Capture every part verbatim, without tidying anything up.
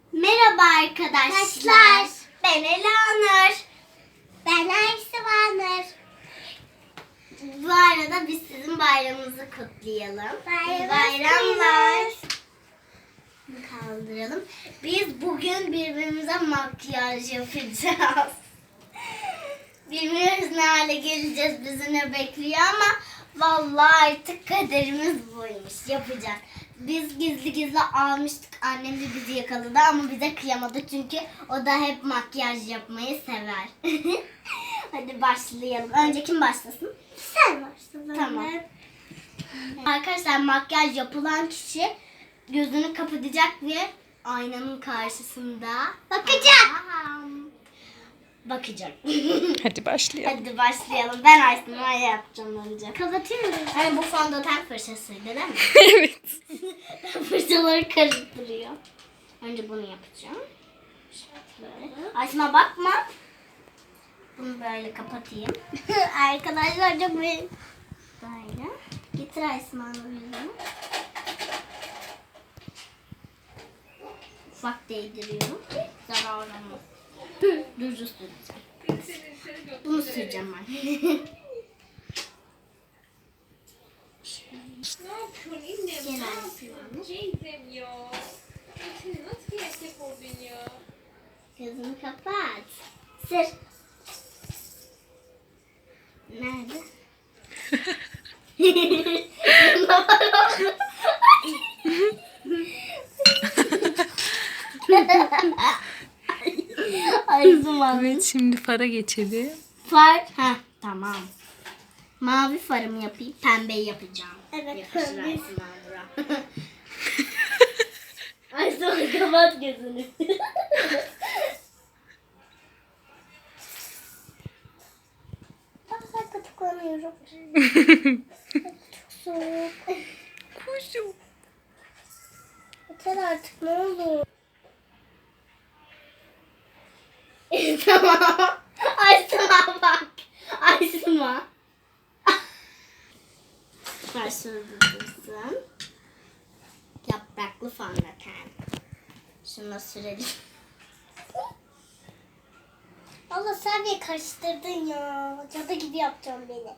Merhaba arkadaşlar. Ben Elanur. Ben Ayşe Vanur. Bu arada biz sizin bayramınızı kutlayalım. İyi bayramlar. Kaldıralım. Biz bugün birbirimize makyaj yapacağız. Bilmiyoruz ne hale geleceğiz, bizi ne bekliyor ama vallahi artık kaderimiz buymuş, yapacak. Biz gizli gizli almıştık, annem de bizi yakaladı ama bize kıyamadı çünkü o da hep makyaj yapmayı sever. Hadi başlayalım. Önce kim başlasın? Sen başla. Tamam. Arkadaşlar makyaj yapılan kişi gözünü kapatacak ve aynanın karşısında bakacak. Bakacak. Hadi başlayalım. Hadi başlayalım. Ben Aysun'a yapacağım önce. Kapatıyorum. Hani bu fondöten fırçasıydı değil mi? Evet. Fırçaları karıştırıyor. Önce bunu yapacağım. Şöyle. Aysun'a bakma. Bunu böyle kapatayım. Arkadaşlar çok böyle. Böyle. Getir Aysun'a yüzünü. Ufak değdiriyorum ki zarar olmaz. Düz süreceğim. Bunu süreceğim ben. Ne yapıyorsun annem? Ne yapıyorsun? Teyzem ya. Seni nasıl gerçek oldun ya? Gözünü kapat. Sır. Nerede? Ay zaman. Evet, şimdi fara geçelim. Far. Ha tamam. Mavi farımı yapayım. Pembeyi yapacağım. Evet. Pembe. Ay sonra kapat gözünü. Bak ben katıklanıyorum. Çok soğuk. Kuşum. Yeter artık ne olur. Tamam. Aysma bak. Aysma. Ver şunu dursun. Yapraklı fondöten. Şunu sürelim. Allah sen beni karıştırdın ya. Cadı gibi yapacağım beni.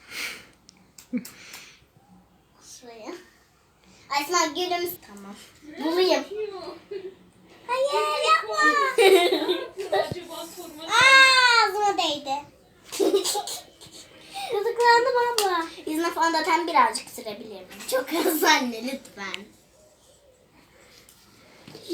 Şuraya. Aysma gülüm. Tamam. Bulayım. Hayır yapma. Acaba sorma. Aa, ağzıma değdi. Kızıklandım abla. Yüzüne fondöten birazcık sürebilir miyim? Çok az anne lütfen.